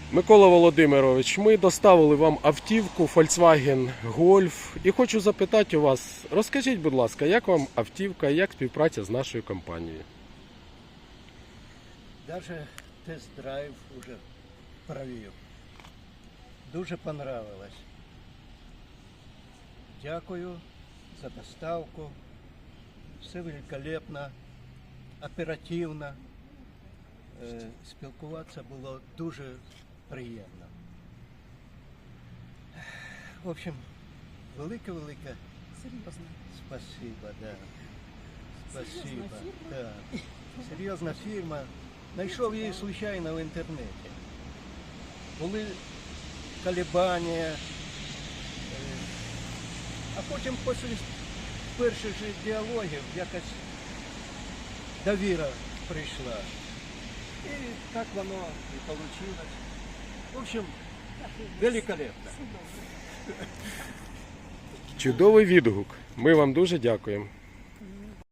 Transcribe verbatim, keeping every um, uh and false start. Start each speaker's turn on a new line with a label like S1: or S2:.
S1: Микола Володимирович, ми доставили вам автівку Volkswagen Golf і хочу запитати у вас, розкажіть, будь ласка, як вам автівка, як співпраця з нашою компанією?
S2: Даже тест-драйв уже провів. Дуже понравилось. Дякую за доставку. Все великолепно, оперативно. Е, Спілкуватися було дуже приємно. В общем, велике-велике
S3: Серйозно.
S2: спасибо, да. Спасибо.
S3: Серйозна фірма?
S2: Да. Серйозна фірма. Знайшов її случайно в інтернеті. Були колебання. е, А потім після перших же діалогів якось довіра прийшла. І так воно і вийшло. В общем, великолепно.
S1: Чудовий відгук. Ми вам дуже дякуємо.